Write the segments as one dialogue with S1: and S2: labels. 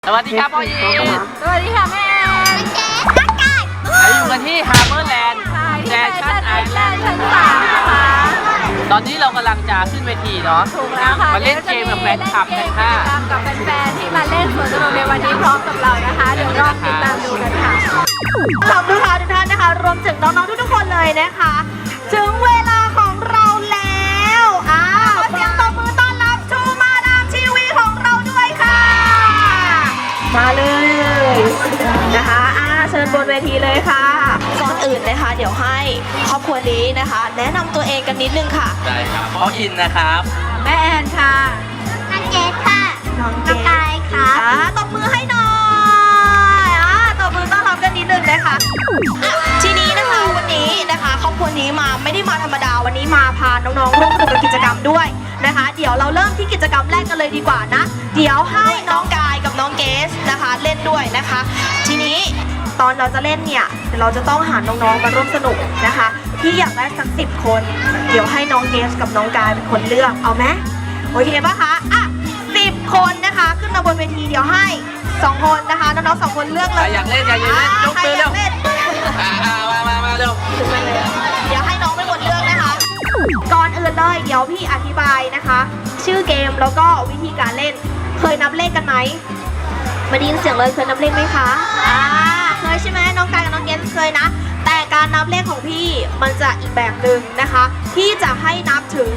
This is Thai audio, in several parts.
S1: สวัสดีครับพ่อยีน
S2: สวัสดีค่ะแม่แอน
S1: เราอยู่กันที่ฮาร์เบอร์แลนด์แฟชั่นไอแลนด์
S2: ชั้น3นะคะ
S1: ตอนนี้เรากำลังจะขึ้นเวทีเนาะ
S2: ถูกแล้วค่ะ
S1: มาเล่นเกมกับแฟนคลับกันค่ะ
S2: กับแฟนๆที่มาเล่นสวนสนุกในวันนี้พร้อมกับเรานะคะเดี๋ยวรอติดตามดูกันค่ะขอบคุณค่ะทุกท่านนะคะรวมถึงน้องๆทุกๆคนเลยนะคะถึงเวลาของเราแล้วขอเสียงตบมือต้อนรับชูมาดามทีวีของเราด้วยค่ะมาเลยนะคะเชิญบนเวทีเลยค่ะก่อนอื่นนะคะเดี๋ยวให้ครอบครัวนี้นะคะ แนะนำตัวเองกันนิดนึงค่ะ
S1: ได้ครับพ่ออินนะครับ
S2: แม่แอนค่ะ
S3: น้องเกดค่ะน้องกายค่ะ
S2: ตบมือให้หน่อยตบมือต้อนรับกันนิดนึงนะคะทีนี้นะคะวันนี้นะคะครอบครัวนี้มาไม่ได้มาธรรมดาวันนี้มาพาน้องๆร่วมสนุกกับกิจกรรมด้วยนะคะเดี๋ยวเราเริ่มที่กิจกรรมแรกกันเลยดีกว่านะเดี๋ยวให้น้องกายกับน้องเกสนะคะเล่นด้วยนะคะทีนี้ตอนเราจะเล่นเนี่ยเราจะต้องหาน้องๆมาร่วมสนุกนะคะที่อยากได้สัก10 คนเดี๋ยวให้น้องเกสกับน้องกายเป็นคนเลือกเอาไหมโอเคป่ะคะ10 คนนะคะขึ้นมาบนเวทีเดี๋ยวให้2 คนนะคะน้องๆ2 คนเลือกเลย
S1: อยากเล่นอยากเล่นยกมือเร็วมาเร็ว
S2: เดี๋ยวให้น้องเป็นคนเลือกนะคะก่อนอื่นเลยเดี๋ยวพี่อธิบายนะคะ ชื่อเกมแล้วก็วิธีการเล่นเคยนับเลขกันไหมมาได้ยินเสียงเลยเคยนับเลขไหมคะเคยใช่ไหมน้องกายกับน้องเกนเคยนะแต่การนับเลขของพี่มันจะอีกแบบหนึ่งนะคะพี่จะให้นับถึง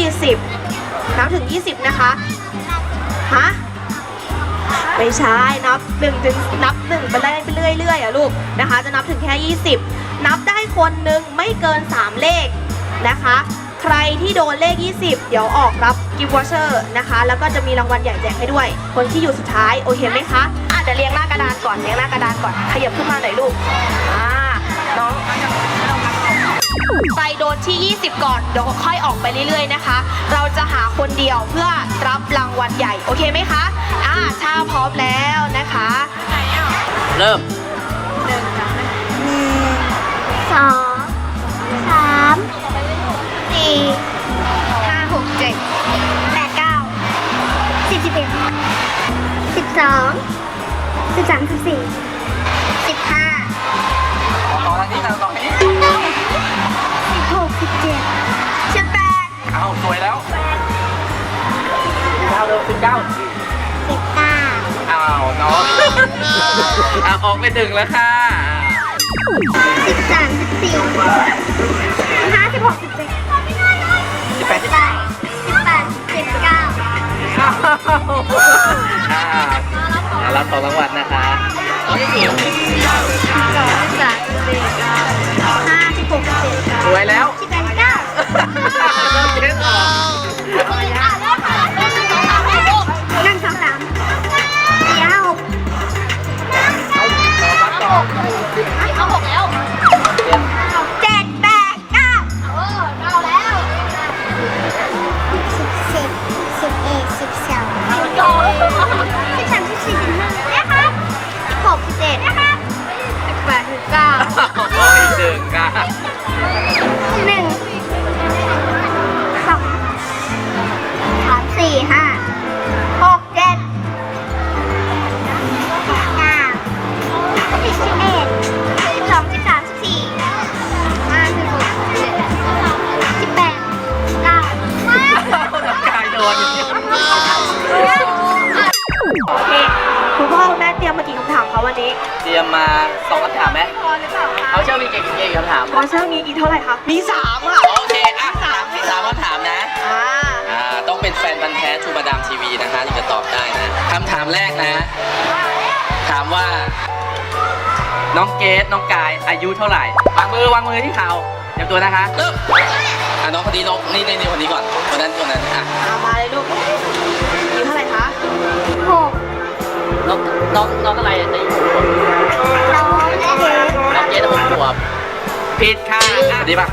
S2: 20นับถึง20นะคะฮะไม่ใช่นับ1ถึงนับ1ไปเรื่อยลูกนะคะจะนับถึงแค่20นับได้คนหนึ่งไม่เกิน3เลขนะคะใครที่โดนเลข20เดี๋ยวออกรับกิฟต์วอเชอร์นะคะแล้วก็จะมีรางวัลใหญ่แจกให้ด้วยคนที่อยู่สุดท้ายโอเคไหมคะเดี๋ยวเรียงหน้ากระดานก่อนขยับขึ้นมาหน่อยลูกน้องใครโดนที่20ก่อนเดี๋ยวค่อยออกไปเรื่อยๆนะคะเราจะหาคนเดียวเพื่อรับรางวัลใหญ่โอเคไหมคะถ้าพร้อมแล้วนะคะ
S1: เริ่ม
S3: 1 2 3 4 5 6 7 8 9 10 11 12 13 14 15
S1: ต่อทางนี้ต่อทางนี้
S3: 16 17
S2: 18
S1: เอาสวยแล้ว19เร็ว19อ้าวน้องออกไป1แล้วค่ะ
S3: 13 14 15 16 17
S1: รับของรางวัลนะคะสวยแล้วเล่นออก
S2: เอา6แล้ว7 8 99แล้ว
S3: 17นะครับ
S2: 18 19
S1: โอ้ยดึงค่ะ
S3: 1 2 3 4 5 6 7 9 11 12 13 14 15 16 17 18
S1: น้ำกายโดน
S2: โอเคคุณพ่อคุณแม่เตรียมมากี่คำถามคะวันนี้
S1: เตรียมมา2คำถามไหมเขาเชื่อมีกี่คำถาม
S2: เขาเชื่อมีกี่เท่าไหร่คะมี3ค่ะ
S1: โอเค3คำถามนะต้องเป็นแฟนพันธุ์แท้ชูมาดามทีวีนะคะถึงจะตอบได้นะคำถามแรกนะถามว่าน้องเกสน้องกายอายุเท่าไหร่วางมือที่เข่าเตรียมตัวนะคะเริ่มน้องคนนี้นี่คนนี้ก่อนคนนั้น
S2: มาเลยลูกอายุเท่าไหร่คะ
S3: 6
S1: น้องอะไรจะอยู่
S3: น้อง
S1: เกส6 ขวบผิดค่ะดีป่ะ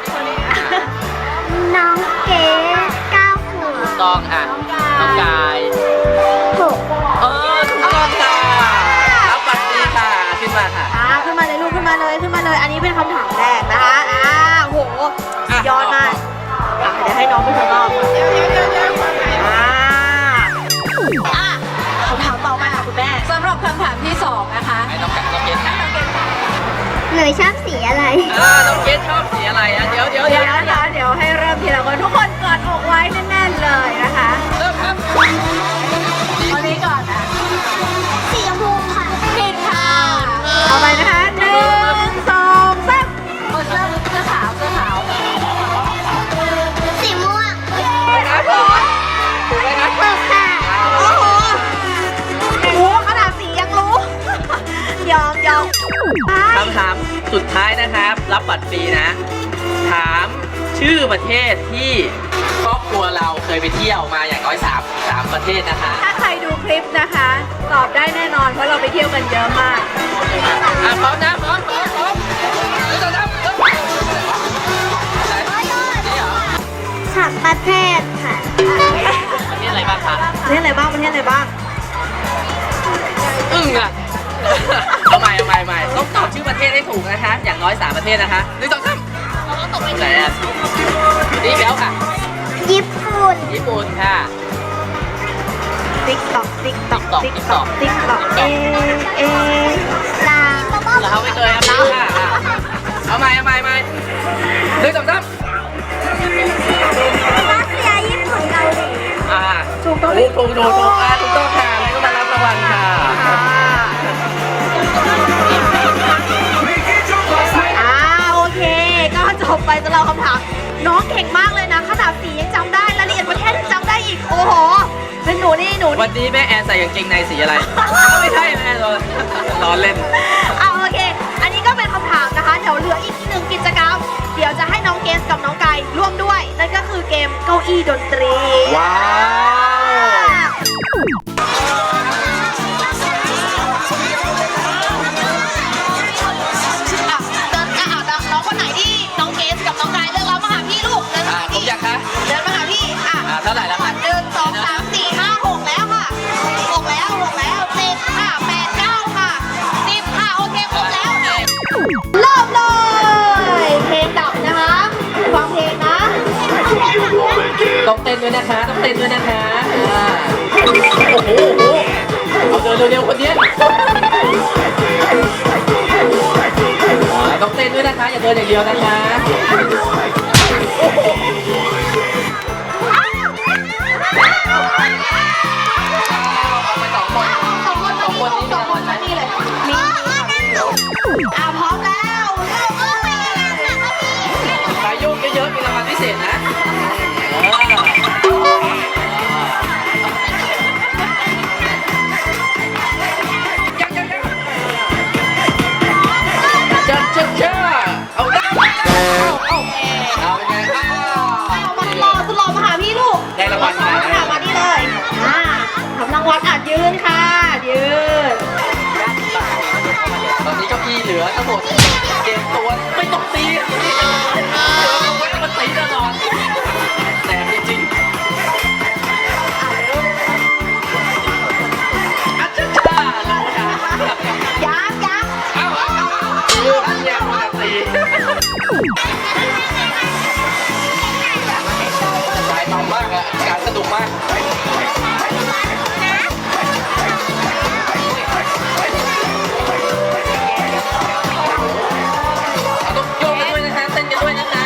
S3: น้องเกด9 ขวบ
S1: ต้องน้องกาย
S3: 6
S1: ถูกต้องค่ะรับบัตรดีค่ะขึ้นมาค่ะ
S2: ขึ้นมาเลยลูกขึ้นมาเลยอันนี้เป็นคำถามแรกนะคะโหยอดมากเดี๋ยวให้น้องไปทดลองคำถามต่อมาค่ะคุณแม่
S4: สำหรับคำถามที่2นะคะ
S1: ให้น้องเกดถาม
S3: หนูชอบสีอะไร
S1: น้องเกดชอบสีอะไรอ่ะเดี๋ยว
S4: เดี๋ยวให้เริ่มทีละคนทุกคนกอดอกไว้แน่นๆเลยนะคะ
S1: เริ่มครับ
S4: คนนี้ก่อนนะ
S3: สีชมพูค่ะ
S4: ผิดค่ะ เอาไปนะคะ1 2 3เสื้อขาว
S3: สีม่วง
S1: ครับถูกไหมครับ
S3: ถูกค่ะ
S2: โอ้โหโอ้ขนาดสียังรู้ ยอม
S1: คำถามสุดท้ายนะครับ รับบัตรฟรีนะ ถามชื่อประเทศที่ครอบครัวเราเคยไปเที่ยวมาอย่างน้อย3ประเทศนะคะ
S4: ถ้าใครดูคลิปนะคะ ตอบได้แน่นอนเพราะเราไปเที่ยวกันเยอะมาก
S1: พร้อมนะพร้อมนี่ต่อครับนี่เหรอ
S3: 3 ประเทศค่ะ
S1: ประเทศอะไรบ้างคะ
S2: ประเทศอะไรบ้าง
S1: อึ้งอ่ะ เอาใหม่ต้องตอบชื่อประเทศให้ถูกนะคะ อย่างน้อย3ประเทศนะคะนี่ต่อครับไหนอ่ะนี่แล้วค่ะ
S3: ญี่ปุ่น
S1: ญี่ปุ่นค่ะ
S2: ติ๊กตอก
S3: ลาว
S1: เราไม่เคยครับค่ะเอาใหม่นี่ต่อครับ
S3: รัสเซียญี่ปุ่นเกาหลี
S1: ถูกต้องค่ะถูกต้องค่ะแล้วก็มารับรางวัลค่ะ
S2: โอเค ก็จบไปสำหรับคำถาม น้องเก่งมากเลยนะขนาดสียังจำได้รายละเอียดประเทศยังจำได้อีก โอ้โห เป็นหนูนี่
S1: วันนี้แม่แอนใส่กางเกงในสีอะไร ไม่ใช่แม่ล้อเล่น
S2: โอเค อันนี้ก็เป็นคำถามนะคะ เดี๋ยวเหลืออีก1กิจกรรม เดี๋ยวจะให้น้องเกสกับน้องไก่ร่วมด้วย นั่นก็คือเกมเก้าอี้ดนตรี
S1: ว้าว
S2: น้องคนไหนที่น้องเกสกับน้องไก่เลือกแล้วมาหาพี่ลูกเดินมาหา
S1: ผม
S2: พี่
S1: อยากคะ
S2: เดินมาหาพี่
S1: เท่าไหร่แล้วคะ
S2: 1 2 3 4 5 6แล้วค่ะ6แล้ว7ค่ะ8 9ค่ะ10ค่ะโอเคครบแล้วเริ่มเลยเพลงดับนะคะฟังเพลงนะ
S1: ต้องเต้นด้วยนะคะโอ้โหเอาเดินเร็วๆคนนี้ต้องเต้นด้วยนะคะ อย่าเดินอย่างเดียวนะคะไป2 คน
S2: สองคนมานี่เลยพร้อมแล้วเริ่มเลย
S1: ใครยุ่งเยอะๆมีรางวัลพิเศษนะเอาได้เอาเป็นไง
S2: มันรอมาหาพี่ลูก
S1: ได้รางวัลค่ะ
S2: มานี่เลยทำรางวัลยืนค่ะยืน
S1: ตอนนี้เก้าอี้เหลือทั้งหมด7 ตัวไม่ต้องตีมันตีตลอดแต่จริงๆอาจารย์รู้ค่ะ
S2: ยัก
S1: เอาอันเนี้ยมันตีสายมันมากอะการสนุกมากต้องโยกกันด้วยนะคะเต้นกันด้วยนะคะ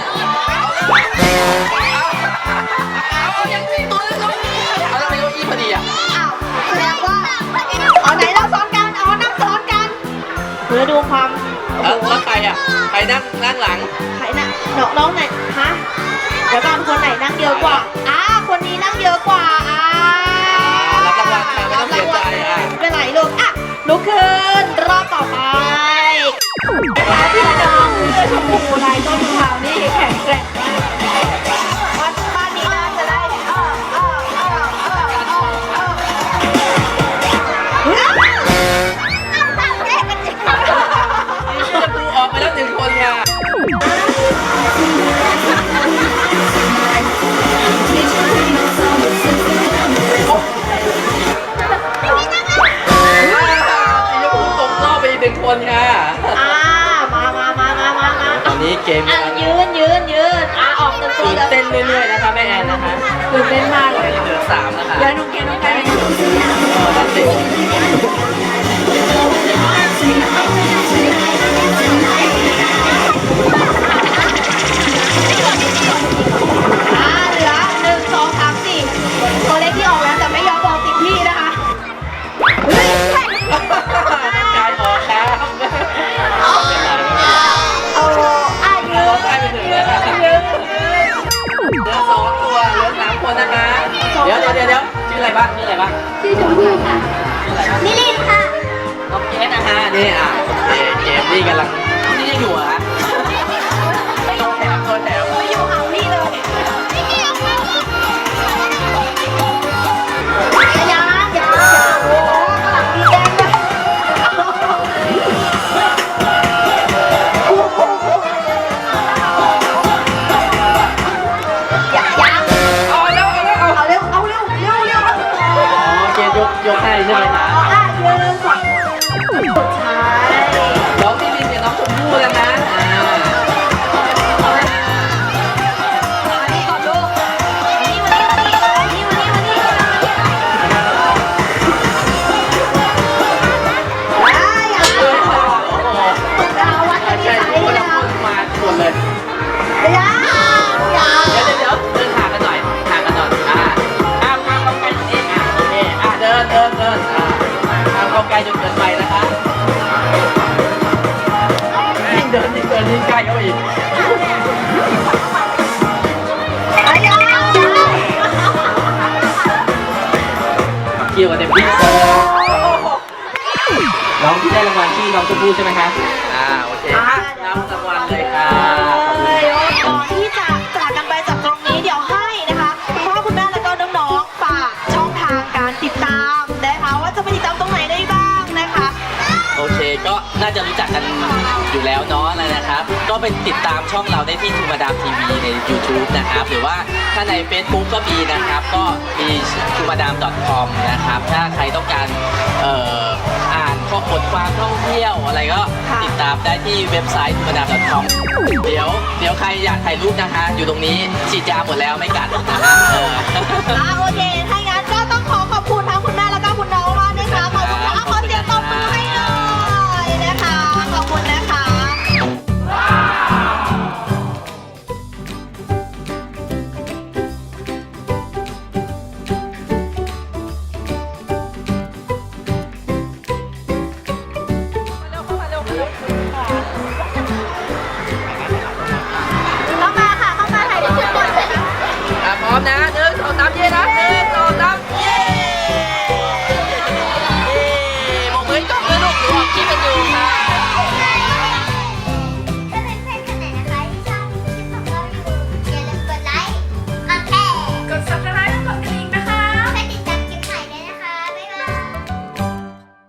S1: เอาอย่างนี้ตัวเลยเอาแล้วไปเก้าอี้พอดีอ่ะ
S2: แสดงว่าเอาไหนเราซ้อนกันนั่งซ้อนกันเพื่อดูความ
S1: แล้วใครอ่ะใครนั่งหลัง
S2: ใครนะน้องไหนฮะเดี๋ยวก่อนคนไหนนั่งเยอะกว่าคนนี้นั่งเยอะกว่า
S1: รับรางวัลค่ะไม่ต้องเสียใจอ่ะ
S2: ไม่เป็นไรลูกลุกขึ้นรอบต่อไป
S4: พี่น้องเสื้อชมพูลายต้นขาวนี่แข็งแกร่งมาก
S2: บ้านนี้น่าจะได้
S1: จะดูออกไปแล้ว1 คนค่ะตกรอบไปอีก1 คนค่ะ
S2: มา
S1: ตอนนี้เกม
S2: ยืนออก1 ตัว
S1: ตื่นเต้นเรื่อยๆนะคะแม่แอนนะคะ
S4: ตื่นเต้นมากเลย
S1: เหลือ3นะคะ
S4: แล้วน้องเกดน้องไก่
S1: นั่นสิ
S2: เหลือ1 2 3 4ตัวเลขที่ออกแล้วแต่ไม่ยอมบอกติดที่นะคะ
S1: กายออกครับ
S2: โอ้อายุ
S1: เราใกล้ไปถึงแล้วครับเหลือ2 ตัวเหลือ3 คนนะคะเดี๋ยวชื่ออะไรบ้างชื่ออะไรบ้าง
S3: ชื่อชมพู่ค่ะ
S1: ชื่ออะไรบ้าง
S3: นิลินค่ะ
S1: น้องเกสนะฮะนี่เกมนี่กำลังนี่ยังอยู่เหรอฮะตัวแถว
S2: ไม่อยู่ห่างพี่เลย
S3: ยัง
S2: โอ้ข้างหลังมีแดงด้วยยัง
S1: เอาแล้ว
S2: เอาเร็วเอาเร็วเร็วเร็ว
S1: อ๋อเกสยกให้ใช่ไหมคะ
S2: ยืนฝั่งสุดท้าย
S1: น้องพี่ลินกับน้องชมพู่แล้วนะ
S2: มานี่ก่อนลูกนี่มานี่มานี่มานี่มานี่อย่า
S1: โอ้โห
S2: ดาววัดกันที่
S1: ใช่
S2: ไหน
S1: ทุกคน
S2: นะ
S1: มาหมดเลย
S2: อย่า
S1: เดี๋ยวเดินห่างกันหน่อยเข้าใกล้ตรงนี้โอเคเดินเข้าใกล้จนเกินไปนะคะยิ่งเดินยิ่งใกล้เข้าไปอีก
S2: อย่า
S1: เกี่ยวกับเต็มที่น้องที่ได้รางวัลชื่อน้องชมพู่ใช่ไหมคะโอเครับรางวัลเลยค่ะขอบคุณ
S2: ก่อนที่จะจากกันไปจากตรงนี้เดี๋ยวให้นะคะคุณพ่อคุณแม่แล้วก็น้องๆฝากช่องทางการติดตามนะคะว่าจะไปติดตามตรงไหนได้บ้างนะคะ
S1: โอเคก็น่าจะรู้จักกันอยู่แล้วเนาะอะไรนะครับ ก็เป็นติดตามช่องเราได้ที่ทูมาดามทีวีใน YouTube นะครับ หรือว่าถ้าใน Facebook ก็มีนะครับ ก็มี tumadam.com นะครับ ถ้าใครต้องการอ่านข้อบทความท่องเที่ยวอะไรก็ติดตามได้ที่เว็บไซต์ tumadam.com เดี๋ยวใครอยากถ่ายรูปนะคะ อยู่ตรงนี้ฉีดยาหมดแล้วไม่กัดนะคะ
S2: โอเค ถ้างั้นก็ต้องขอบคุณทั้งคุณแม่แล้วก็คุณน้องมากนะคะมา